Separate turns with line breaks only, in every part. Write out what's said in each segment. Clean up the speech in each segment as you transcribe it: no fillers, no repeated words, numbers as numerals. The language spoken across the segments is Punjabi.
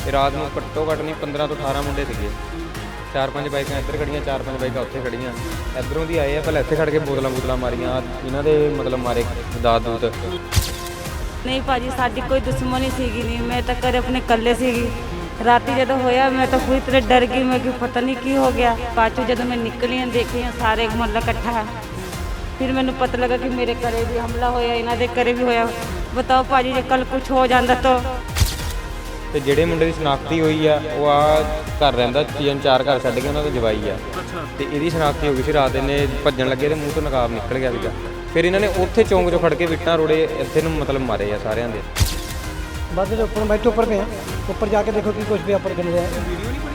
ਇਹ ਰਾਤ ਨੂੰ ਘੱਟੋ ਘੱਟ ਨਹੀਂ 15 ਤੋਂ 18 ਮੁੰਡੇ ਸੀਗੇ। 4-5 ਬਾਈਕਾਂ ਇੱਧਰ ਖੜੀਆਂ, 4-5 ਬਾਈਕਾਂ ਉੱਥੇ ਖੜੀਆਂ। ਇੱਧਰੋਂ ਦੀ ਆਏ ਆ, ਪਹਿਲਾਂ ਇੱਥੇ ਖੜ ਕੇ ਬੋਤਲਾਂ ਮਾਰੀਆਂ। ਇਹਨਾਂ ਦੇ ਮਤਲਬ ਮਾਰੇ ਦਾਤ ਦੂਤ।
ਨਹੀਂ ਭਾਜੀ, ਸਾਡੀ ਕੋਈ ਦੁਸ਼ਮਣੀ ਸੀਗੀ ਨਹੀਂ। ਮੈਂ ਤਾਂ ਘਰੇ ਆਪਣੇ ਇਕੱਲੇ ਸੀਗੀ। ਰਾਤੀ ਜਦੋਂ ਹੋਇਆ ਮੈਂ ਤਾਂ ਪੂਰੀ ਤਰ੍ਹਾਂ ਡਰ ਗਈ। ਮੈਂ ਕਿ ਪਤਾ ਨਹੀਂ ਕੀ ਹੋ ਗਿਆ। ਬਾਅਦ 'ਚੋਂ ਜਦੋਂ ਮੈਂ ਨਿਕਲੀ ਹਾਂ ਦੇਖੀ ਸਾਰੇ ਮੁਹੱਲਾ ਇਕੱਠਾ ਹੈ। ਫਿਰ ਮੈਨੂੰ ਪਤਾ ਲੱਗਾ ਕਿ ਮੇਰੇ ਘਰੇ ਵੀ ਹਮਲਾ ਹੋਇਆ, ਇਹਨਾਂ ਦੇ ਘਰੇ ਵੀ ਹੋਇਆ। ਬਤਾਓ ਭਾਜੀ, ਜੇ ਕੱਲ ਕੁਝ ਹੋ ਜਾਂਦਾ ਤਾਂ।
ਤੇ ਜਿਹੜੇ ਮੁੰਡੇ ਦੀ ਸ਼ਨਾਖਤੀ ਹੋਈ ਆ ਉਹ ਆ ਘਰ ਰਹਿੰਦਾ, 3-4 ਘਰ ਛੱਡ ਕੇ ਉਹਨਾਂ ਦਾ ਜਵਾਈ ਆ। ਤੇ ਇਹਦੀ ਸ਼ਨਾਖਤੀ ਹੋ ਗਈ ਸੀ ਰਾਤ। ਇਹਨੇ ਭੱਜਣ ਲੱਗੇ ਤੇ ਮੂੰਹ ਤੋਂ ਨਕਾਬ ਨਿਕਲ ਗਿਆ ਸੀਗਾ। ਫਿਰ ਇਹਨਾਂ ਨੇ ਉੱਥੇ ਚੌਂਕ 'ਚੋਂ ਫੜ ਕੇ ਵਿਟਾਂ ਰੋੜੇ ਇੱਥੇ ਨੂੰ ਮਤਲਬ ਮਾਰੇ ਆ ਸਾਰਿਆਂ ਦੇ।
बस जो ऊपर बैठे ऊपर पे हैं, ऊपर जाके देखो कि कुछ भी ऊपर कर रहा है।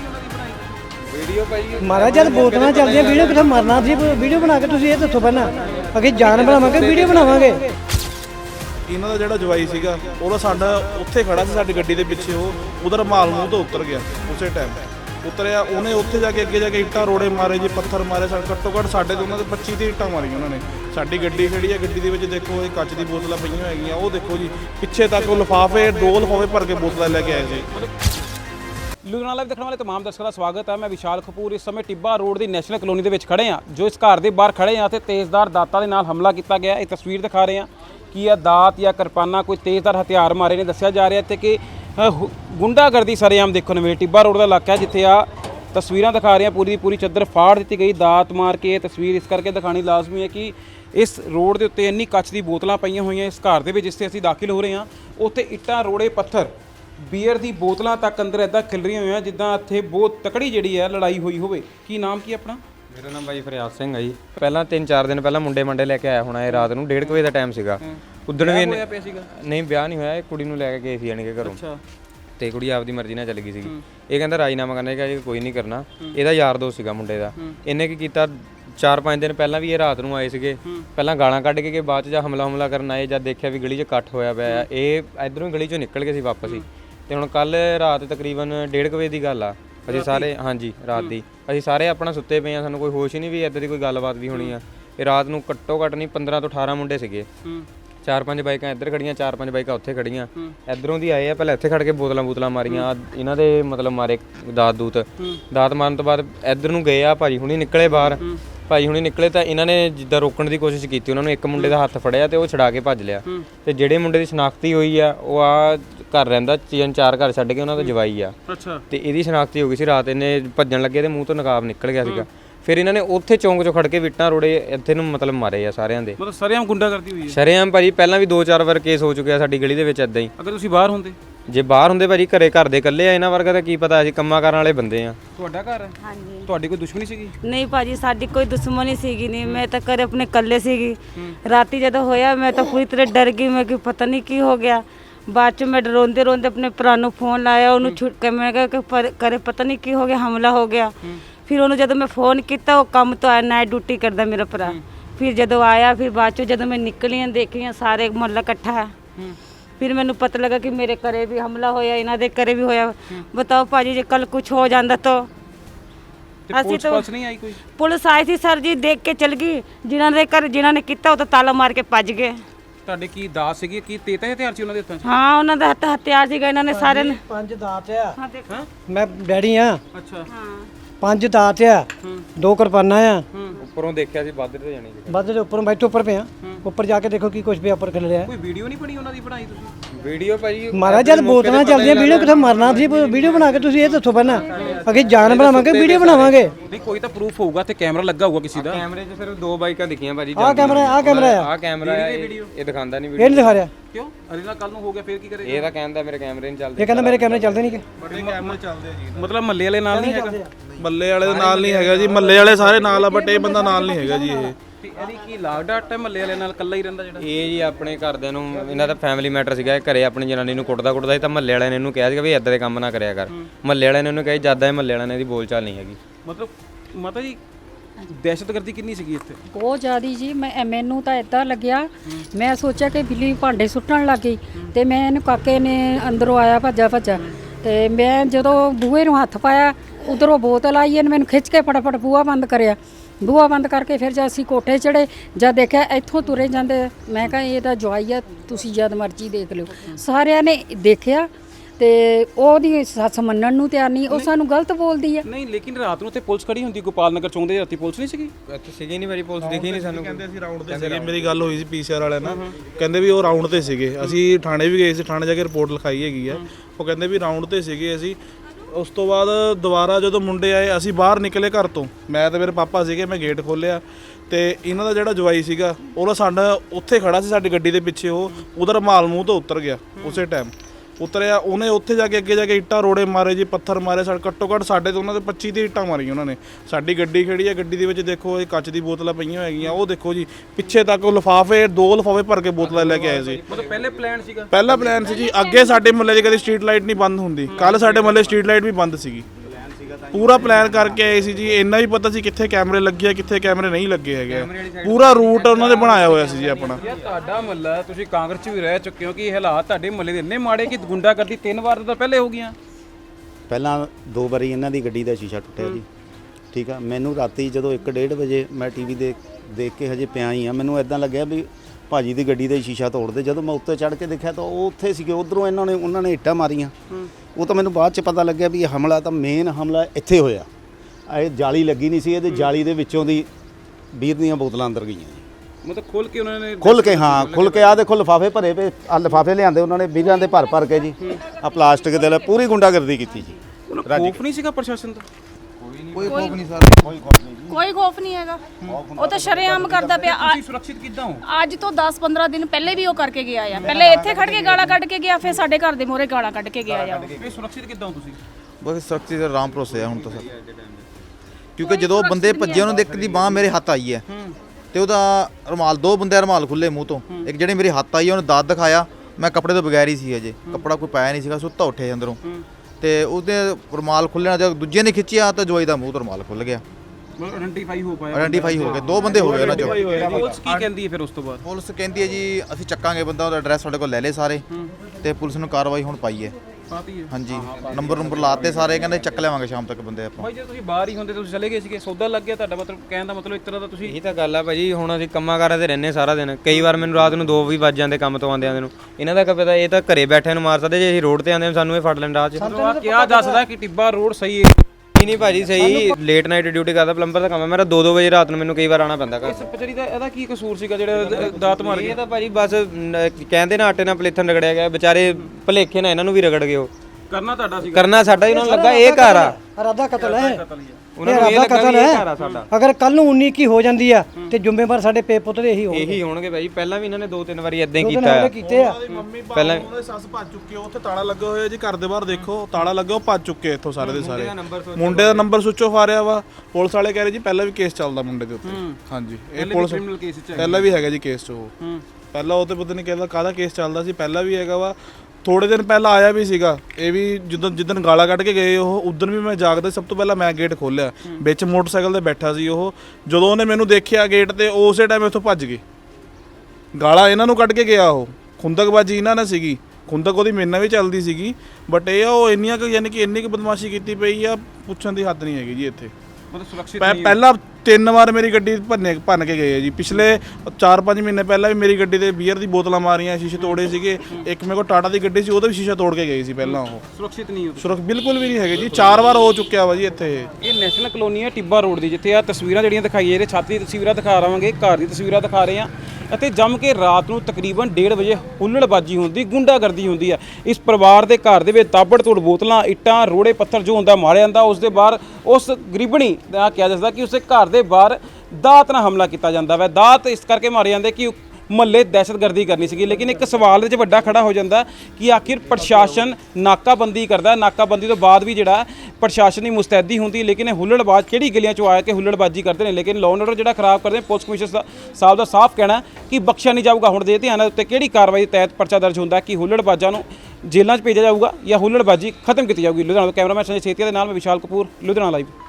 ਵੀਡੀਓ ਭਾਈ
महाराज जब बोतना चल रही वीडियो कितना मरना सी, वीडियो बना के तुसीं ये दसो पहला अगे जान बनावांगे वीडियो बनावांगे।
ਇਹਨਾਂ ਦਾ ਜਿਹੜਾ ਜਵਾਈ ਸੀਗਾ ਉਹਦਾ ਸਾਡਾ ਉੱਥੇ ਖੜਾ ਸੀ ਸਾਡੀ ਗੱਡੀ ਦੇ ਪਿੱਛੇ। ਉਹ ਉਧਰ ਮਾਲ ਮੂੰਹ ਤੋਂ ਉਤਰ ਗਿਆ। ਉਸੇ ਟਾਈਮ ਉਤਰਿਆ ਉਹਨੇ, ਉੱਥੇ ਜਾ ਕੇ ਅੱਗੇ ਜਾ ਕੇ ਇੱਟਾਂ ਰੋੜੇ ਮਾਰੇ ਜੀ, ਪੱਥਰ ਮਾਰੇ। ਸਾਡੇ ਘੱਟੋ ਘੱਟ ਸਾਡੇ ਤੋਂ ਉਹਨਾਂ ਦੇ 25 ਇੱਟਾਂ ਮਾਰੀਆਂ ਉਹਨਾਂ ਨੇ। ਸਾਡੀ ਗੱਡੀ ਖੜੀ ਹੈ, ਗੱਡੀ ਦੇ ਵਿੱਚ ਦੇਖੋ ਇਹ ਕੱਚ ਦੀ ਬੋਤਲਾਂ ਪਈਆਂ ਹੈਗੀਆਂ। ਉਹ ਦੇਖੋ ਜੀ ਪਿੱਛੇ ਤੱਕ ਉਹ ਲਿਫਾਫੇ ਡੋਲ ਹੋਵੇ ਭਰ ਕੇ ਬੋਤਲਾਂ ਲੈ ਕੇ ਆਏ ਸੀ।
ਲੁਧਿਆਣਾ ਲਾਈਵ ਦੇਖਣ ਵਾਲੇ तमाम ਦਰਸ਼ਕਾਂ ਦਾ ਸਵਾਗਤ ਹੈ। ਮੈਂ ਵਿਸ਼ਾਲ ਕਪੂਰ। ਇਸ ਸਮੇਂ ਟਿੱਬਾ ਰੋਡ ਦੀ ਨੈਸ਼ਨਲ ਕਲੋਨੀ ਦੇ ਵਿੱਚ ਖੜੇ ਹਾਂ। ਜੋ ਇਸ ਘਰ ਦੇ ਬਾਹਰ ਖੜੇ ਹਾਂ ਤੇ ਤੇਜ਼ਦਾਰ ਦਾਤਾਂ ਦੇ ਨਾਲ ਹਮਲਾ ਕੀਤਾ ਗਿਆ। ਇਹ ਤਸਵੀਰ ਦਿਖਾ ਰਹੇ ਹਾਂ ਕਿ ਇਹ ਦਾਤ ਜਾਂ ਕਿਰਪਾਨਾਂ ਕੋਈ ਤੇਜ਼ਦਾਰ ਹਥਿਆਰ ਮਾਰੇ ਨੇ। ਦੱਸਿਆ ਜਾ ਰਿਹਾ ਤੇ ਕਿ ਗੁੰਡਾਗਰਦੀ ਸਰੇਆਮ ਦੇਖਣ ਨੂੰ ਮਿਲੀ। ਟਿੱਬਾ ਰੋਡ ਦਾ ਇਲਾਕਾ ਜਿੱਥੇ ਆ ਤਸਵੀਰਾਂ ਦਿਖਾ ਰਹੇ ਹਾਂ, ਪੂਰੀ ਦੀ ਪੂਰੀ ਚੱਦਰ ਫਾੜ ਦਿੱਤੀ ਗਈ ਦਾਤ ਮਾਰ ਕੇ। ਇਹ ਤਸਵੀਰ ਇਸ ਕਰਕੇ ਦਿਖਾਣੀ ਲਾਜ਼ਮੀ ਹੈ ਕਿ ਇਸ ਰੋਡ ਦੇ ਉੱਤੇ ਇੰਨੀ ਕੱਚ ਦੀ ਬੋਤਲਾਂ ਪਈਆਂ ਹੋਈਆਂ। ਇਸ ਘਰ ਦੇ ਵਿੱਚ ਜਿੱਥੇ ਅਸੀਂ ਦਾਖਲ ਹੋ ਰਹੇ ਹਾਂ ਉੱਥੇ ਇੱਟਾਂ ਰੋੜੇ ਪੱਥਰ ਬੀਅਰ ਦੀ ਬੋਤਲਾਂ ਤੱਕ ਅੰਦਰ ਇੱਦਾਂ ਖਿਲ ਰਹੀਆਂ ਹੋਈਆਂ ਜਿੱਦਾਂ ਇੱਥੇ ਬਹੁਤ ਤਕੜੀ ਜਿਹੜੀ ਹੈ ਲੜਾਈ ਹੋਈ ਹੋਵੇ। ਕੀ ਨਾਮ ਕੀ ਆਪਣਾ?
ਮੇਰਾ ਨਾਮ ਬਾਈ ਫਰਿਆਦ ਸਿੰਘ ਹੈ ਜੀ। ਪਹਿਲਾਂ 3-4 ਦਿਨ ਪਹਿਲਾਂ ਮੁੰਡੇ ਲੈ ਕੇ ਆਇਆ ਹੋਣਾ। ਇਹ ਰਾਤ ਨੂੰ 1:30 ਵਜੇ ਦਾ ਟਾਈਮ ਸੀਗਾ। ਉਦਣ ਵੀ ਨਹੀਂ ਵਿਆਹ ਨਹੀਂ ਹੋਇਆ। ਇਹ ਕੁੜੀ ਨੂੰ ਲੈ ਕੇ ਗਏ ਸੀ ਜਾਣੀ ਕਿ ਘਰੋਂ। ਤੇ ਕੁੜੀ ਆਪਦੀ ਮਰਜ਼ੀ ਨਾਲ ਚੱਲ ਗਈ ਸੀਗੀ। ਇਹ ਕਹਿੰਦਾ ਰਾਜੀਨਾਮਾ ਕਰਨਾ ਹੈਗਾ, ਇਹ ਕੋਈ ਨਹੀਂ ਕਰਨਾ। ਇਹਦਾ ਯਾਰ ਦੋਸਤ ਸੀਗਾ ਮੁੰਡੇ ਦਾ। ਇਹਨੇ ਕੀ ਕੀਤਾ, 4-5 ਦਿਨ ਪਹਿਲਾਂ ਵੀ ਇਹ ਰਾਤ ਨੂੰ ਆਏ ਸੀਗੇ। ਪਹਿਲਾਂ ਗਾਲਾਂ ਕੱਢ ਕੇ ਬਾਅਦ 'ਚ ਜਾਂ ਹਮਲਾ ਕਰਨ ਆਏ, ਜਦ ਦੇਖਿਆ ਵੀ ਗਲੀ 'ਚ ਇਕੱਠ ਹੋਇਆ ਪਿਆ, ਇਹ ਇਧਰੋਂ ਗਲੀ 'ਚੋਂ ਨਿਕਲ ਗਏ ਸੀ ਵਾਪਸ ਹੀ। ਤੇ ਹੁਣ ਕੱਲ ਰਾਤ ਤਕਰੀਬਨ 1:30 ਵਜੇ ਦੀ ਗੱਲ ਆ। ਅਸੀਂ ਸਾਰੇ ਹਾਂਜੀ ਰਾਤ ਦੀ ਅਸੀਂ ਸਾਰੇ ਆਪਣਾ ਸੁੱਤੇ ਪਏ ਆ। ਸਾਨੂੰ ਕੋਈ ਹੋਸ਼ ਹੀ ਨਹੀਂ ਵੀ ਇੱਦਾਂ ਦੀ ਕੋਈ ਗੱਲਬਾਤ ਵੀ ਹੋਣੀ ਆ। ਇਹ ਰਾਤ ਨੂੰ ਘੱਟੋ ਘੱਟ ਨਹੀਂ 15 ਤੋਂ 18 ਮੁੰਡੇ ਸੀਗੇ। 4-5 ਬਾਈਕਾਂ ਇੱਧਰ ਖੜੀਆਂ, 4-5 ਬਾਈਕਾਂ ਉੱਥੇ ਖੜੀਆਂ। ਇੱਧਰੋਂ ਦੀ ਆਏ ਆ, ਪਹਿਲਾਂ ਇੱਥੇ ਖੜ ਕੇ ਬੋਤਲਾਂ ਮਾਰੀਆਂ। ਇਹਨਾਂ ਦੇ ਮਤਲਬ ਮਾਰੇ ਦਾਤ ਮਾਰਨ ਤੋਂ ਬਾਅਦ ਇੱਧਰ ਨੂੰ ਗਏ ਆ। ਭਾਜੀ ਹੁਣੀ ਨਿਕਲੇ ਬਾਹਰ। ਭਾਈ ਹੁਣੀ ਨਿਕਲੇ ਤਾਂ ਇਹਨਾਂ ਨੇ ਜਿੱਦਾਂ ਰੋਕਣ ਦੀ ਕੋਸ਼ਿਸ਼ ਕੀਤੀ। ਉਹਨਾਂ ਨੂੰ ਇੱਕ ਮੁੰਡੇ ਦਾ ਹੱਥ ਫੜਿਆ ਤੇ ਉਹ ਛਡਾ ਕੇ ਭੱਜ ਲਿਆ। ਤੇ ਜਿਹੜੇ ਮੁੰਡੇ ਦੀ ਸ਼ਨਾਖਤੀ ਹੋਈ ਆ ਉਹ ਆ ਘਰ ਰਹਿੰਦਾ, 3-4 ਘਰ ਛੱਡ ਕੇ ਉਹਨਾਂ ਦਾ ਜਵਾਈ ਆ। ਤੇ ਇਹਦੀ ਸ਼ਨਾਖਤੀ ਹੋ ਗਈ ਸੀ ਰਾਤ। ਇਹਨੇ ਭੱਜਣ ਲੱਗੇ ਤੇ ਮੂੰਹ ਤੋਂ ਨਕਾਬ ਨਿਕਲ ਗਿਆ ਸੀਗਾ। ਫਿਰ ਇਹਨਾਂ ਨੇ ਉੱਥੇ ਚੌਂਕ 'ਚੋਂ ਖੜ ਕੇ ਵਿਟਾਂ ਰੋੜੇ ਇੱਥੇ ਨੂੰ ਮਤਲਬ ਮਾਰੇ ਆ ਸਾਰਿਆਂ ਦੇ।
ਮਤਲਬ ਸਰੇਆਮ ਗੁੰਡਾਗਰਦੀ ਹੋਈ ਹੈ।
ਸਰੇਆਮ ਭਾਜੀ, ਪਹਿਲਾਂ ਵੀ 2-4 ਵਾਰ ਕੇਸ ਹੋ ਚੁੱਕਿਆ ਸਾਡੀ ਗਲੀ ਦੇ ਵਿੱਚ ਇੱਦਾਂ ਹੀ।
ਅਗਰ ਤੁਸੀਂ ਬਾਹਰ ਹੁੰਦੇ?
ਜੇ ਬਾਹਰ ਹੁੰਦੇ ਭਾਜੀ, ਘਰ ਦੇ ਇਕੱਲੇ ਆ। ਇਹਨਾਂ ਵਰਗਾ ਤਾਂ ਕੀ ਪਤਾ, ਅਸੀਂ ਕੰਮਾਂ ਕਰਨ ਵਾਲੇ ਬੰਦੇ ਆ।
ਤੁਹਾਡਾ ਘਰ ਹੈ?
ਹਾਂਜੀ।
ਤੁਹਾਡੀ ਕੋਈ ਦੁਸ਼ਮਣੀ ਸੀਗੀ?
ਨਹੀਂ ਭਾਜੀ, ਸਾਡੀ ਕੋਈ ਦੁਸ਼ਮਣੀ ਸੀਗੀ ਨਹੀਂ। ਮੈਂ ਤਾਂ ਘਰੇ ਆਪਣੇ ਇਕੱਲੇ ਸੀਗੀ। ਰਾਤੀ ਜਦੋਂ ਹੋਇਆ ਮੈਂ ਤਾਂ ਪੂਰੀ ਤਰ੍ਹਾਂ ਡਰ ਗਈ। ਮੈਂ ਕਿ ਪਤਾ ਨਹੀਂ ਕੀ ਹੋ ਗਿਆ। ਬਾਅਦ 'ਚ ਮੈਂ ਰੋਂਦੇ ਆਪਣੇ ਭਰਾ ਨੂੰ ਫੋਨ ਲਾਇਆ। ਉਹਨੂੰ ਛੁੱਟ ਕੇ ਮੈਂ ਕਿਹਾ ਕਿ ਘਰੇ ਪਤਾ ਨਹੀਂ ਕੀ ਹੋ ਗਿਆ, ਹਮਲਾ ਹੋ ਗਿਆ। ਫਿਰ ਉਹਨੂੰ ਜਦੋਂ ਮੈਂ ਫੋਨ ਕੀਤਾ, ਉਹ ਕੰਮ ਤੋਂ ਆਇਆ, ਨਾਈਟ ਡਿਊਟੀ ਕਰਦਾ ਮੇਰਾ ਭਰਾ। ਫਿਰ ਜਦੋਂ ਆਇਆ, ਫਿਰ ਬਾਅਦ 'ਚ ਜਦੋਂ ਮੈਂ ਨਿਕਲੀ ਦੇਖੀ ਸਾਰੇ ਮੁਹੱਲਾ ਇਕੱਠਾ ਹੈ। ਫਿਰ ਮੈਨੂੰ ਪਤਾ ਲੱਗਾ ਕਿ ਮੇਰੇ ਘਰੇ ਵੀ ਹਮਲਾ ਹੋਇਆ, ਇਹਨਾਂ ਦੇ ਘਰੇ ਵੀ ਹੋਇਆ। ਬਤਾਓ ਭਾਜੀ, ਜੇ ਕੱਲ ਕੁਝ ਹੋ ਜਾਂਦਾ ਤਾਂ। ਅਸੀਂ ਤਾਂ
ਪੁਲਿਸ ਨਹੀਂ ਆਈ ਕੋਈ?
ਪੁਲਿਸ ਆਈ ਸੀ ਸਰ ਜੀ, ਦੇਖ ਕੇ ਚਲ ਗਈ। ਜਿਨ੍ਹਾਂ ਦੇ ਘਰ ਜਿਨ੍ਹਾਂ ਨੇ ਕੀਤਾ ਉਹ ਤਾਂ ਤਾਲਾ ਮਾਰ ਕੇ ਭੱਜ ਗਏ।
ਤੁਹਾਡੇ ਕੀ ਦਾਤ ਸੀਗੀ? ਕੀ ਤੇਜ਼ ਹਥਿਆਰ ਸੀ ਉਹਨਾਂ ਦੇ ਹੱਥਾਂ 'ਚ?
ਹਾਂ, ਉਹਨਾਂ ਦਾ ਹਥਿਆਰ ਸੀਗਾ। ਇਹਨਾਂ ਨੇ ਸਾਰੇ ਨੇ
5 दांत आ।
ਹਾਂ ਦੇਖੋ।
मैं डैडी हाँ।
ਅੱਛਾ।
ਹਾਂ
5 दांत आ, 2 किरपाना आ।
ਉੱਪਰੋਂ ਦੇਖਿਆ ਸੀ ਬਾਦਰ ਤੇ ਜਾਣੀ ਸੀ।
बस जो ऊपर बैठे ऊपर पे हैं, ऊपर जाके देखो कि कुछ भी ऊपर कर रहा है।
ਕੋਈ ਵੀਡੀਓ ਨਹੀਂ ਬਣੀ ਉਹਨਾਂ ਦੀ ਬਣਾਈ ਤੁਸੀਂ?
ਵੀਡੀਓ ਭਾਜੀ
महाराज जब बोतना चल रही वीडियो कितना मरना सी, वीडियो बना के तुसीं ये दसो पहला अगे जान बनावांगे वीडियो बनावांगे।
ਨਹੀਂ ਕੋਈ ਤਾਂ ਪ੍ਰੂਫ ਹੋਊਗਾ ਤੇ ਕੈਮਰਾ ਲੱਗਾ ਹੋਊਗਾ ਕਿਸੇ ਦਾ।
ਕੈਮਰੇ 'ਚ ਸਿਰਫ 2 ਬਾਈਕਾਂ ਦਿਖੀਆਂ ਭਾਜੀ।
आ कैमरा आ।
ਆਹ ਕੈਮਰਾ ਆ। ਇਹ ਦਿਖਾਉਂਦਾ ਨਹੀਂ
ये नहीं दिखा रहा।
ਕਿਉਂ? ਅਰੇ ਕੱਲ ਨੂੰ ਹੋ ਗਿਆ ਫਿਰ ਕੀ ਕਰੇਗਾ?
ਇਹ ਤਾਂ ਕਹਿੰਦਾ ਮੇਰੇ ਕੈਮਰੇ ਨਹੀਂ ਚੱਲਦੇ।
ये कहना मेरे कैमरे चलते नहीं के।
ਬੜੇ ਕੈਮਰੇ ਚੱਲਦੇ ਆ ਜੀ।
ਮਤਲਬ ਮਹੱਲੇ ਵਾਲੇ ਨਾਲ ਨਹੀਂ ਹੈਗਾ?
ਮੱਲੇ ਵਾਲੇ ਦੇ ਨਾਲ ਨਹੀਂ ਹੈਗਾ ਜੀ। ਮੱਲੇ ਵਾਲੇ ਸਾਰੇ ਨਾਲ ਆ, ਬਟ ਇਹ ਬੰਦਾ ਨਾਲ ਨਹੀਂ ਹੈਗਾ ਜੀ। ਇਹ
ਤੇ ਇਹਦੀ ਕੀ ਲਾਗ ਡਾਟ ਹੈ ਮਹੱਲੇ ਵਾਲੇ ਨਾਲ? ਇਕੱਲਾ ਹੀ ਰਹਿੰਦਾ ਜਿਹੜਾ?
ਇਹ ਜੀ ਆਪਣੇ ਘਰਦਿਆਂ ਨੂੰ, ਇਹਨਾਂ ਦਾ ਫੈਮਿਲੀ ਮੈਟਰ ਸੀਗਾ। ਇਹ ਘਰੇ ਆਪਣੀ ਜਨਾਨੀ ਨੂੰ ਕੁੱਟਦਾ ਸੀ ਤਾਂ ਮਹੱਲੇ ਵਾਲਿਆਂ ਨੇ ਇਹਨੂੰ ਕਿਹਾ ਸੀਗਾ ਵੀ ਇੱਦਾਂ ਦੇ ਕੰਮ ਨਾ ਕਰਿਆ ਕਰ। ਮਹੱਲੇ ਵਾਲਿਆਂ ਨੇ ਉਹਨੂੰ ਕਿਹਾ ਜਿਆਦਾ ਇਹ ਮਹੱਲੇ ਵਾਲਿਆਂ ਨੇ ਇਹਦੀ ਬੋਲਚਾਲ ਨਹੀਂ ਹੈਗੀ।
ਮਤਲਬ ਮਾਤਾ ਜੀ ਦਹਿਸ਼ਤਗਰਦੀ ਕਿੰਨੀ ਸੀਗੀ ਇੱਥੇ?
ਬਹੁਤ ਜ਼ਿਆਦੀ ਜੀ। ਮੈਨੂੰ ਤਾਂ ਇਦਾਂ ਲੱਗਿਆ, ਮੈਂ ਸੋਚਿਆ ਕਿ ਬਿੱਲੀ ਭਾਂਡੇ ਸੁੱਟਣ ਲੱਗ ਗਈ ਤੇ ਮੈਂ ਇਹਨੂੰ ਕਾਕੇ ਨੇ ਅੰਦਰੋਂ ਆਇਆ ਭੱਜਾ ਤੇ ਮੈਂ ਜਦੋਂ ਬੂਹੇ ਨੂੰ ਹੱਥ ਪਾਇਆ, ਉਧਰੋਂ ਬੋਤਲ ਆਈ, ਇਹਨੇ ਮੈਨੂੰ ਖਿੱਚ ਕੇ ਫਟਾਫਟ ਬੂਹਾ ਬੰਦ ਕਰਿਆ। ਬੂਹਾ ਬੰਦ ਕਰਕੇ ਫਿਰ ਜਦ ਅਸੀਂ ਕੋਠੇ ਚੜੇ, ਜਦ ਦੇਖਿਆ ਇੱਥੋਂ ਤੁਰੇ ਜਾਂਦੇ, ਮੈਂ ਕਿਹਾ ਇਹ ਤਾਂ ਜਵਾਈ ਆ, ਤੁਸੀਂ ਜਦ ਮਰਜ਼ੀ ਦੇਖ ਲਿਓ। ਸਾਰਿਆਂ ਨੇ ਦੇਖਿਆ ਤੇ ਉਹਦੀ ਸੱਸ ਮੰਨਣ ਨੂੰ ਤਿਆਰ ਨਹੀਂ, ਉਹ ਸਾਨੂੰ ਗਲਤ ਬੋਲਦੀ ਆ।
ਨਹੀਂ ਲੇਕਿਨ ਰਾਤ ਨੂੰ ਉੱਥੇ ਪੁਲਿਸ ਖੜੀ ਹੁੰਦੀ ਗੋਪਾਲ ਨਗਰ ਚੌਂਕ ਦੇ ਰਾਤੀ ਪੁਲਿਸ ਨਹੀਂ ਸੀਗੀ
ਇੱਥੇ ਸੀਗੀ ਨਹੀਂ ਭਾਜੀ ਪੁਲਿਸ ਦਿਖੀ ਨਹੀਂ ਸਾਨੂੰ।
ਕਹਿੰਦੇ ਅਸੀਂ ਰਾਉਂਡ ਤੇ ਸੀਗੇ, ਮੇਰੀ ਗੱਲ ਹੋਈ ਸੀ ਪੀਸੀਆਰ ਵਾਲਿਆਂ ਨਾਲ, ਕਹਿੰਦੇ ਵੀ ਉਹ ਰਾਉਂਡ ਤੇ ਸੀਗੇ। ਅਸੀਂ ਥਾਣੇ ਵੀ ਗਏ ਸੀ, ਥਾਣੇ ਜਾ ਕੇ ਰਿਪੋਰਟ ਲਿਖਾਈ ਹੈਗੀ ਆ। ਉਹ ਕਹਿੰਦੇ ਵੀ ਰਾਉਂਡ ਤੇ ਸੀਗੇ ਅਸੀਂ। ਉਸ ਤੋਂ ਬਾਅਦ ਦੁਬਾਰਾ ਜਦੋਂ ਮੁੰਡੇ ਆਏ, ਅਸੀਂ ਬਾਹਰ ਨਿਕਲੇ ਘਰ ਤੋਂ, ਮੈਂ ਤੇ ਮੇਰੇ ਪਾਪਾ ਸੀਗੇ, ਮੈਂ ਗੇਟ ਖੋਲ੍ਹਿਆ ਤੇ ਇਹਨਾਂ ਦਾ ਜਿਹੜਾ ਜਵਾਈ ਸੀਗਾ ਉਹਦਾ ਸਾਡਾ ਉੱਥੇ ਖੜਾ ਸੀ ਸਾਡੀ ਗੱਡੀ ਦੇ ਪਿੱਛੇ, ਉਹ ਉਹਦਾ ਰੁਮਾਲ ਮੂੰਹ ਤੋਂ ਉਤਰ ਗਿਆ। ਉਸੇ ਟਾਈਮ ਉਤਰਿਆ, ਉਹਨੇ ਉੱਥੇ ਜਾ ਕੇ ਅੱਗੇ ਜਾ ਕੇ ਇੱਟਾਂ ਰੋੜੇ ਮਾਰੇ ਜੀ, ਪੱਥਰ ਮਾਰੇ। ਘੱਟੋ ਘੱਟ ਸਾਡੇ ਤੋਂ ਉਹਨਾਂ ਦੇ 25 ਦੀ ਇੱਟਾਂ ਮਾਰੀਆਂ ਉਹਨਾਂ ਨੇ। ਸਾਡੀ ਗੱਡੀ ਖੜੀ ਹੈ, ਗੱਡੀ ਦੇ ਵਿੱਚ ਦੇਖੋ ਇਹ ਕੱਚ ਦੀ ਬੋਤਲਾਂ ਪਈਆਂ ਹੈਗੀਆਂ, ਉਹ ਦੇਖੋ ਜੀ ਪਿੱਛੇ ਤੱਕ ਉਹ ਲਿਫਾਫੇ 2 ਲਿਫਾਫੇ ਭਰ ਕੇ ਬੋਤਲਾਂ ਲੈ ਕੇ ਆਏ ਸੀ।
ਮਤਲਬ ਪਹਿਲੇ ਪਲਾਨ ਸੀਗਾ?
ਪਹਿਲਾ ਪਲਾਨ ਸੀ ਜੀ। ਅੱਗੇ ਸਾਡੇ ਮੁਹੱਲੇ 'ਚ ਕਦੇ ਸਟਰੀਟ ਲਾਈਟ ਨਹੀਂ ਬੰਦ ਹੁੰਦੀ, ਕੱਲ ਸਾਡੇ ਮੁਹੱਲੇ ਸਟਰੀਟ ਲਾਈਟ ਵੀ ਬੰਦ ਸੀਗੀ। ਪੂਰਾ ਪਲਾਨ ਕਰਕੇ ਆਏ ਸੀ ਜੀ। ਇੰਨਾ ਵੀ ਪਤਾ ਸੀ ਕਿੱਥੇ ਕੈਮਰੇ ਲੱਗੇ ਆ, ਕਿੱਥੇ ਕੈਮਰੇ ਨਹੀਂ ਲੱਗੇ ਹੈਗੇ। ਪੂਰਾ ਰੂਟ ਉਹਨਾਂ ਨੇ ਬਣਾਇਆ ਹੋਇਆ ਸੀ ਜੀ ਆਪਣਾ।
ਯਾਰ ਤੁਹਾਡਾ ਮਹੱਲਾ, ਤੁਸੀਂ ਕਾਂਗਰਸ 'ਚ ਵੀ ਰਹਿ ਚੁੱਕੇ ਹੋ, ਕਿ ਇਹ ਹਾਲਾਤ ਤੁਹਾਡੇ ਮਹੱਲੇ ਦੇ ਇੰਨੇ ਮਾੜੇ ਕਿ ਗੁੰਡਾਗਰਦੀ 3 ਵਾਰ ਤਾਂ ਪਹਿਲੇ ਹੋ ਗਈਆਂ?
ਪਹਿਲਾਂ 2 ਵਾਰੀ ਇਹਨਾਂ ਦੀ ਗੱਡੀ ਦਾ ਸ਼ੀਸ਼ਾ ਟੁੱਟਿਆ ਜੀ, ਠੀਕ ਆ। ਮੈਨੂੰ ਰਾਤੀ ਜਦੋਂ 1:30 ਵਜੇ ਮੈਂ ਟੀਵੀ ਦੇਖ ਕੇ ਹਜੇ ਪਿਆ ਹੀ ਆ, ਮੈਨੂੰ ਇਦਾਂ ਲੱਗਿਆ ਵੀ ਭਾਜੀ ਦੀ ਗੱਡੀ ਦਾ ਹੀ ਸ਼ੀਸ਼ਾ ਤੋੜਦੇ। ਜਦੋਂ ਮੈਂ ਉੱਤੇ ਚੜ੍ਹ ਕੇ ਦੇਖਿਆ ਤਾਂ ਉਹ ਉੱਥੇ ਸੀਗੇ, ਉਧਰੋਂ ਉਹਨਾਂ ਨੇ ਇੱਟਾਂ ਮਾਰੀਆਂ। ਉਹ ਤਾਂ ਮੈਨੂੰ ਬਾਅਦ 'ਚ ਪਤਾ ਲੱਗਿਆ ਵੀ ਇਹ ਹਮਲਾ ਤਾਂ ਮੇਨ ਹਮਲਾ ਇੱਥੇ ਹੋਇਆ। ਇਹ ਜਾਲੀ ਲੱਗੀ ਨਹੀਂ ਸੀ, ਇਹਦੇ ਜਾਲੀ ਦੇ ਵਿੱਚੋਂ ਦੀ 20 ਦੀਆਂ ਬੋਤਲਾਂ ਅੰਦਰ ਗਈਆਂ ਜੀ।
ਮਤਲਬ ਖੋਲ ਕੇ ਉਹਨਾਂ ਨੇ
ਖੁੱਲ ਕੇ ਆ ਦੇਖੋ ਲਿਫਾਫੇ ਭਰੇ ਪਏ ਆ, ਲਿਫਾਫੇ ਲਿਆਂਦੇ ਉਹਨਾਂ ਨੇ 20 ਦੇ ਭਰ ਕੇ ਜੀ, ਆ ਪਲਾਸਟਿਕ ਦੇ ਨਾਲ ਪੂਰੀ ਗੁੰਡਾਗਰਦੀ ਕੀਤੀ ਜੀ।
ਖੌਫ ਨਹੀਂ ਸੀਗਾ ਪ੍ਰਸ਼ਾਸਨ ਦਾ?
ਕੋਈ ਖੌਫ ਨਹੀਂ ਸਰ,
ਕੋਈ ਖੌਫ ਨਹੀਂ ਹੈਗਾ। ਉਹ ਤਾਂ ਸ਼ਰੇਆਮ ਕਰਦਾ ਪਿਆ।
ਤੁਸੀਂ ਸੁਰੱਖਿਤ ਕਿੱਦਾਂ ਹੋ?
ਅੱਜ ਤੋਂ 10-15 ਦਿਨ ਪਹਿਲੇ ਵੀ ਉਹ ਕਰਕੇ ਗਿਆ ਆ। ਪਹਿਲੇ ਇੱਥੇ ਖੜ ਕੇ ਗਾਲਾਂ ਕੱਢ ਕੇ ਗਿਆ, ਫਿਰ ਸਾਡੇ ਘਰ ਦੇ ਮੋਹਰੇ ਗਾਲਾਂ ਕੱਢ ਕੇ ਗਿਆ ਆ।
ਇਹ ਸੁਰੱਖਿਤ ਕਿੱਦਾਂ ਹੋ ਤੁਸੀਂ?
ਬਸ ਸਖਤੀ ਦਾ ਰਾਮ ਭਰੋਸੇ ਆ ਹੁਣ ਤਾਂ ਸਰ, ਕਿਉਂਕਿ ਜਦੋਂ ਬੰਦੇ ਭੱਜੇ ਉਹਨਾਂ ਦੇ ਇੱਕ ਦੀ ਬਾਹ ਮੇਰੇ ਹੱਥ ਆਈ ਹੈ ਤੇ ਉਹਦਾ ਰੁਮਾਲ, 2 ਬੰਦੇ ਰੁਮਾਲ ਖੁੱਲੇ ਮੂੰਹ ਤੋਂ। ਇੱਕ ਜਿਹੜੇ ਮੇਰੇ ਹੱਥ ਆਈ ਉਹਨੇ ਦਾਤ ਦਿਖਾਇਆ, ਮੈਂ ਕੱਪੜੇ ਤੋਂ ਬਗੈਰ ਹੀ ਸੀ, ਅਜੇ ਕੱਪੜਾ ਕੋਈ ਪਾਇਆ ਨਹੀਂ ਸੀਗਾ, ਸੁੱਤਾ ਉੱਠੇ ਅੰਦਰੋਂ ਤੇ ਉਹਦੇ ਰੁਮਾਲ ਖੁੱਲਣਾ, ਜਦ ਦੂਜੇ ਨੇ ਖਿੱਚਿਆ ਤਾਂ ਜਵਾਈ ਦਾ ਮੂੰਹ ਤੋਂ ਰੁਮਾਲ ਖੁੱਲ ਗਿਆ।
ਮਤਲਬ ਆਇਡੈਂਟੀਫਾਈ ਹੋ ਪਾਇਆ?
ਆਇਡੈਂਟੀਫਾਈ ਹੋ ਗਏ, 2 ਬੰਦੇ ਹੋ ਗਏ ਉਹਨਾਂ ਚੋਂ।
ਪੁਲਿਸ ਕੀ ਕਹਿੰਦੀ ਹੈ ਫਿਰ ਉਸ ਤੋਂ ਬਾਅਦ?
ਪੁਲਿਸ ਕਹਿੰਦੀ ਹੈ ਜੀ ਅਸੀਂ ਚੱਕਾਂਗੇ ਬੰਦਾ, ਉਹਦਾ ਐਡਰੈਸ ਸਾਡੇ ਕੋਲ ਲੈ ਲਏ ਸਾਰੇ ਤੇ ਪੁਲਿਸ ਨੂੰ ਕਾਰਵਾਈ ਹੁਣ ਪਾਈ ਹੈ।
ਪਾਤੀ ਹੈ?
ਹਾਂਜੀ, ਨੰਬਰ ਲਾਤੇ ਸਾਰੇ, ਕਹਿੰਦੇ ਚੱਕ ਲਿਆਵਾਂਗੇ ਸ਼ਾਮ ਤੱਕ ਬੰਦੇ ਆਪਾਂ।
ਭਾਈ ਜੇ ਤੁਸੀਂ ਬਾਹਰ ਹੀ ਹੁੰਦੇ ਤੁਸੀਂ ਚਲੇ ਗਏ ਸੀਗੇ, ਸੌਦਾ ਲੱਗ ਗਿਆ ਤੁਹਾਡਾ, ਮਤਲਬ ਕਹਿਣ ਦਾ ਮਤਲਬ ਇੱਕ ਤਰ੍ਹਾਂ ਦਾ ਤੁਸੀਂ।
ਇਹ ਤਾਂ ਗੱਲ ਆ ਭਾਜੀ, ਹੁਣ ਅਸੀਂ ਕੰਮਾਂ ਕਾਰਾਂ ਤੇ ਰਹਿੰਦੇ ਸਾਰਾ ਦਿਨ। ਕਈ ਵਾਰ ਮੈਨੂੰ ਰਾਤ ਨੂੰ 2 ਵੀ ਵੱਜ ਜਾਂਦੇ ਕੰਮ ਤੋਂ ਆਉਂਦੇ ਨੂੰ। ਇਹਨਾਂ ਦਾ ਕੀ ਪਤਾ, ਇਹ ਤਾਂ ਘਰੇ ਬੈਠਿਆਂ ਨੂੰ ਮਾਰ ਸਕਦੇ, ਜੇ ਅਸੀਂ ਰੋਡ ਤੇ ਆਉਂਦੇ ਸਾਨੂੰ ਇਹ ਫੜ ਲੈਣ ਰਾਹ 'ਚ।
ਕਿਹਾ ਜਾ ਸਕਦਾ ਕਿ ਟਿੱਬਾ ਰੋਡ ਸਹੀ ਹੈ?
ਨਹੀਂ ਭਾਜੀ ਸਹੀ, ਲੇਟ ਨਾਈਟ ਡਿਊਟੀ ਕਰਦਾ, ਪਲੰਬਰ ਦਾ ਕੰਮ ਹੈ ਮੇਰਾ। 2-2 ਵਜੇ ਰਾਤ ਨੂੰ ਮੈਨੂੰ ਕਈ ਵਾਰ ਆਉਣਾ ਪੈਂਦਾ ਘਰ।
ਇਸ ਪਚਰੀ ਦਾ ਇਹਦਾ ਕੀ ਕਸੂਰ ਸੀਗਾ ਜਿਹੜਾ ਦਾਤ ਮਾਰ ਗਿਆ?
ਇਹ ਤਾਂ ਭਾਜੀ ਬਸ ਕਹਿੰਦੇ ਨਾ ਆਟੇ ਨਾਲ ਪਲੇਥਨ ਰਗੜਿਆ ਗਿਆ, ਵਿਚਾਰੇ ਭਲੇਖੇ ਨਾਲ ਇਹਨਾਂ ਨੂੰ ਵੀ ਰਗੜ ਗਏ। ਉਹ
ਕਰਨਾ ਤੁਹਾਡਾ ਸੀਗਾ?
ਕਰਨਾ ਸਾਡਾ ਹੀ, ਉਹਨਾਂ ਨੂੰ ਲੱਗਾ ਇਹ ਘਰ ਆ,
ਇਰਾਦਾ ਕਤਲ ਹੈ।
ਉਹਨਾਂ ਨੂੰ ਇਹ ਲੱਗਾ ਵੀ ਇਹ ਘਰ ਆ ਸਾਡਾ।
ਅਗਰ ਕੱਲ ਨੂੰ 19 ਕੀ ਹੋ ਜਾਂਦੀ ਆ ਤੇ ਜ਼ਿੰਮੇਵਾਰ ਸਾਡੇ ਪੇ ਪੁੱਤ ਦੇ
ਇਹੀ ਹੋਣਗੇ ਭਾਜੀ। ਪਹਿਲਾਂ ਵੀ ਇਹਨਾਂ ਨੇ 2-3 ਵਾਰੀ ਇਦਾਂ ਹੀ ਕੀਤਾ
ਕੀਤੇ ਆ।
ਪਹਿਲਾਂ ਉਹਨਾਂ ਦੇ ਸੱਸ ਭੱਜ ਚੁੱਕੇ, ਉੱਥੇ ਤਾਲਾ ਲੱਗਾ ਹੋਇਆ ਜੀ ਘਰ ਦੇ ਬਾਹਰ, ਦੇਖੋ ਤਾਲਾ ਲੱਗਾ, ਉਹ ਭੱਜ ਚੁੱਕੇ ਇੱਥੋਂ ਸਾਰੇ ਦੇ ਸਾਰੇ। ਮੁੰਡੇ ਦਾ ਨੰਬਰ ਸੁੱਚ ਆਫ ਆ ਰਿਹਾ ਵਾ। ਪੁਲਿਸ ਵਾਲੇ ਕਹਿ ਰਹੇ ਜੀ ਪਹਿਲਾਂ ਵੀ ਕੇਸ ਚੱਲਦਾ ਮੁੰਡੇ ਦੇ ਉੱਤੇ। ਹਾਂਜੀ, ਇਹ ਪੁਲਿਸ ਪਹਿਲਾਂ ਵੀ ਹੈਗਾ ਜੀ ਕੇਸ। ਉਹ ਪਹਿਲਾਂ ਉਹ ਤੇ ਪਤਾ ਨਹੀਂ ਕਹਿੰਦਾ ਕਾਹਦਾ ਕੇਸ ਚੱਲਦਾ ਸੀ, ਪਹਿਲਾਂ ਵੀ ਹੈਗਾ ਵਾ। ਥੋੜੇ ਦਿਨ ਪਹਿਲਾਂ ਆਇਆ ਵੀ ਸੀਗਾ ਇਹ ਵੀ, ਜਿੱਦਣ ਗਾਲਾਂ ਕੱਢ ਕੇ ਗਏ ਉਹ, ਉਦਣ ਵੀ ਮੈਂ ਜਾਗਦਾ ਸਭ ਤੋਂ ਪਹਿਲਾਂ ਮੈਂ ਗੇਟ ਖੋਲ੍ਹਿਆ, ਵਿੱਚ ਮੋਟਰਸਾਈਕਲ ਤੇ ਬੈਠਾ ਸੀ ਉਹ। ਜਦੋਂ ਉਹਨੇ ਮੈਨੂੰ ਦੇਖਿਆ ਗੇਟ ਤੇ, ਉਸੇ ਟਾਈਮ ਇੱਥੋਂ ਭੱਜ ਗਏ। ਗਾਲਾਂ ਇਹਨਾਂ ਨੂੰ ਕੱਢ ਕੇ ਗਿਆ ਉਹ। ਖੁੰਦਕਬਾਜੀ ਇਹਨਾਂ ਨੇ ਸੀਗੀ, ਖੁੰਦਕ ਉਹਦੀ ਮੇਰੇ ਨਾਲ ਵੀ ਚੱਲਦੀ ਸੀਗੀ, ਬਟ ਇਹ ਆ ਉਹ ਇੰਨੀਆਂ ਕੁ, ਯਾਨੀ ਕਿ ਇੰਨੀ ਕੁ ਬਦਮਾਸ਼ੀ ਕੀਤੀ ਪਈ ਆ, ਪੁੱਛਣ ਦੀ ਹੱਦ ਨਹੀਂ ਹੈਗੀ ਜੀ ਇੱਥੇ।
ਮਤਲਬ ਸੁਰੱਖਿਅਤ
ਪਹਿਲਾਂ 3 ਵਾਰ ਮੇਰੀ ਗੱਡੀ ਭੰਨ ਕੇ ਗਏ ਆ ਜੀ। ਪਿਛਲੇ 4-5 ਮਹੀਨੇ ਪਹਿਲਾਂ ਵੀ ਮੇਰੀ ਗੱਡੀ ਤੇ ਬੀਅਰ ਦੀ ਬੋਤਲਾਂ ਮਾਰੀਆਂ, ਸ਼ੀਸ਼ੇ ਤੋੜੇ ਸੀਗੇ। ਇੱਕ ਮੇਰੇ ਕੋਲ ਟਾਟਾ ਦੀ ਗੱਡੀ ਸੀ, ਉਹਦਾ ਵੀ ਸ਼ੀਸ਼ਾ ਤੋੜ ਕੇ ਗਏ ਸੀ ਪਹਿਲਾਂ। ਉਹ
ਸੁਰੱਖਿਅਤ ਨਹੀਂ ਹੋ?
ਸੁਰੱਖਿਅਤ ਬਿਲਕੁਲ ਵੀ ਨਹੀਂ ਹੈਗੇ ਜੀ। 4 ਵਾਰ ਹੋ ਚੁੱਕਿਆ ਵਾ ਜੀ ਇੱਥੇ।
ਇਹ ਨੈਸ਼ਨਲ ਕਲੋਨੀ ਹੈ ਟਿੱਬਾ ਰੋਡ ਦੀ, ਜਿੱਥੇ ਆ ਤਸਵੀਰਾਂ ਜਿਹੜੀਆਂ ਦਿਖਾਈਏ, ਇਹਦੇ ਛੱਤ ਦੀ ਤਸਵੀਰਾਂ ਦਿਖਾ ਰਹਾਂਗੇ, ਘਰ ਦੀ ਤਸਵੀਰਾਂ ਦਿਖਾ ਰਹੇ ਹਾਂ। ਅਤੇ ਜੰਮ ਕੇ ਰਾਤ ਨੂੰ ਤਕਰੀਬਨ 1:30 ਵਜੇ ਹੁੱਲੜਬਾਜੀ ਹੁੰਦੀ, ਗੁੰਡਾਗਰਦੀ ਹੁੰਦੀ ਹੈ। ਇਸ ਪਰਿਵਾਰ ਦੇ ਘਰ ਦੇ ਵਿੱਚ ਤਾਬੜਤੋੜ ਬੋਤਲਾਂ, ਇੱਟਾਂ, ਰੋੜੇ ਪੱਥਰ ਜੋ ਹੁੰਦਾ ਮਾਰਿਆ ਜਾਂਦਾ। ਉਸ ਦੇ ਬਾਹਰ ਉਸ ਗਰੀਬਣੀ ਦਾ ਕਿਹਾ ਜਾਂਦਾ ਕਿ ਉਸਦੇ ਘਰ ਦੇ ਬਾਹਰ ਦਾਤ ਨਾਲ ਹਮਲਾ ਕੀਤਾ ਜਾਂਦਾ ਵਾ। ਦਾਤ ਇਸ ਕਰਕੇ ਮਾਰੇ ਜਾਂਦੇ ਕਿ ਮੁਹੱਲੇ ਦਹਿਸ਼ਤਗਰਦੀ ਕਰਨੀ ਸੀਗੀ। ਲੇਕਿਨ ਇੱਕ ਸਵਾਲ ਦੇ 'ਚ ਵੱਡਾ ਖੜਾ ਹੋ ਜਾਂਦਾ ਕਿ ਆਖਿਰ ਪ੍ਰਸ਼ਾਸਨ ਨਾਕਾਬੰਦੀ ਕਰਦਾ, ਨਾਕਾਬੰਦੀ ਤੋਂ ਬਾਅਦ ਵੀ ਜਿਹੜਾ ਪ੍ਰਸ਼ਾਸਨ ਦੀ ਮੁਸਤੈਦੀ ਹੁੰਦੀ। ਲੇਕਿਨ ਇਹ ਹੁੱਲੜਬਾਜ਼ ਕਿਹੜੀ ਗਲੀਆਂ 'ਚੋਂ ਆਇਆ ਕਿ ਹੁੱਲੜਬਾਜੀ ਕਰਦੇ ਨੇ, ਲੇਕਿਨ ਲਾਅ ਐਂਡ ਆਰਡਰ ਜਿਹੜਾ ਖਰਾਬ ਕਰਦੇ ਨੇ। ਪੁਲਿਸ ਕਮਿਸ਼ਨਰ ਸਾਹਿਬ ਦਾ ਸਾਫ਼ ਕਹਿਣਾ ਕਿ ਬਖਸ਼ਿਆ ਨਹੀਂ ਜਾਊਗਾ। ਹੁਣ ਦੇ ਧਿਆਨ ਉੱਤੇ ਕਿਹੜੀ ਕਾਰਵਾਈ ਦੇ ਤਹਿਤ ਪਰਚਾ ਦਰਜ ਹੁੰਦਾ ਕਿ ਹੁੱਲੜਬਾਜ਼ਾਂ ਨੂੰ ਜੇਲ੍ਹਾਂ 'ਚ ਭੇਜਿਆ ਜਾਊਗਾ ਜਾਂ ਹੁੱਲੜਬਾਜੀ ਖਤਮ ਕੀਤੀ ਜਾਊਗੀ। ਲੁਧਿਆਣਾ ਤੋਂ ਕੈਮਰਾਮੈਨ ਸੰਜੇ ਸੇਤੀਆ ਦੇ ਨਾਲ ਮੈਂ ਵਿਸ਼ਾਲ ਕਪੂਰ, ਲੁਧਿਆਣਾ ਲਾਈਵ।